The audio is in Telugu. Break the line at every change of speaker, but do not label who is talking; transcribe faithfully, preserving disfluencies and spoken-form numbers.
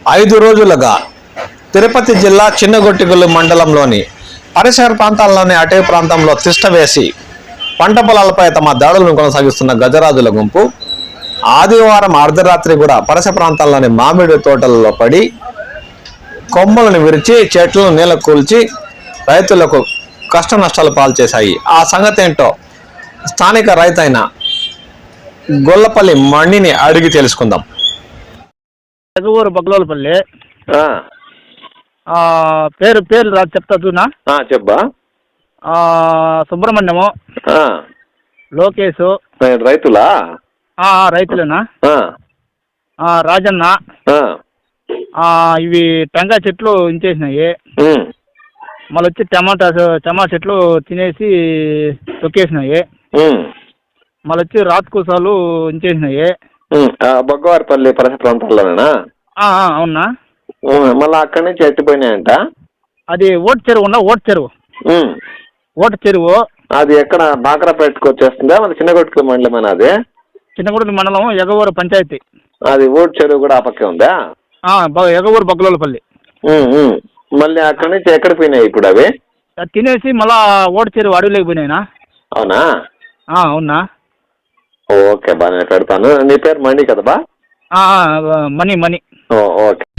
ఐదు రోజులుగా తిరుపతి జిల్లా చిన్నగొట్టిగుళ్ళు మండలంలోని పరిసర ప్రాంతాల్లోని అటవీ ప్రాంతంలో తిష్ట వేసి పంట పొలాలపై తమ దాడులను కొనసాగిస్తున్న గజరాజుల గుంపు ఆదివారం అర్ధరాత్రి కూడా పరిసర ప్రాంతాల్లోని మామిడి తోటలలో పడి కొమ్మలను విరిచి చెట్లను నీళ్ళ కూల్చి రైతులకు కష్ట నష్టాలు పాలు చేశాయి. ఆ సంగతి ఏంటో స్థానిక రైతైన గొల్లపల్లి మణిని అడిగి తెలుసుకుందాం.
ఎగవూరు బగ్లోలపల్లి పేరు పేరు రా చెప్తా చూనా
చెప్పా.
సుబ్రహ్మణ్యము, లోకేష్
రైతులా
రైతులేనా, రాజన్న ఇవి టెంకాయ చెట్లు ఇంచేసినాయి. మళ్ళీ వచ్చి టమాటా టమాటా చెట్లు తినేసి తొక్కేసినాయి. మళ్ళీ వచ్చి రాత్కూసాలు ఇంచేసినాయి.
బొగ్గవారిపల్లి పరిసర ప్రాంతాల్లోనేనా?
అవునా.
మళ్ళీ అక్కడి నుంచి ఎట్టిపోయినాయంట.
అది ఓటు చెరువు ఉన్నా ఓటు చెరువు ఓటు చెరువు
అది ఎక్కడ బాకరాపేటకు వచ్చేస్తుందా? మన చిన్నగొట్టుకు మండలం. అది
చిన్నగొట్టు మండలం ఎగవూరు పంచాయతీ.
అది ఓటు చెరువు కూడా ఆ పక్కే ఉందా?
ఎగవూరు బగ్లోలపల్లి.
మళ్ళీ అక్కడి నుంచి ఎక్కడ పోయినాయి ఇప్పుడు అవి?
తినేసి మళ్ళా ఓటు చెరువు అడవిలోకి పోయినాయినా.
అవునా?
అవునా.
ఓకే బా, నేను పెడతాను. నీ పేరు మణి కదా బా?
మణి మణి.
ఓకే.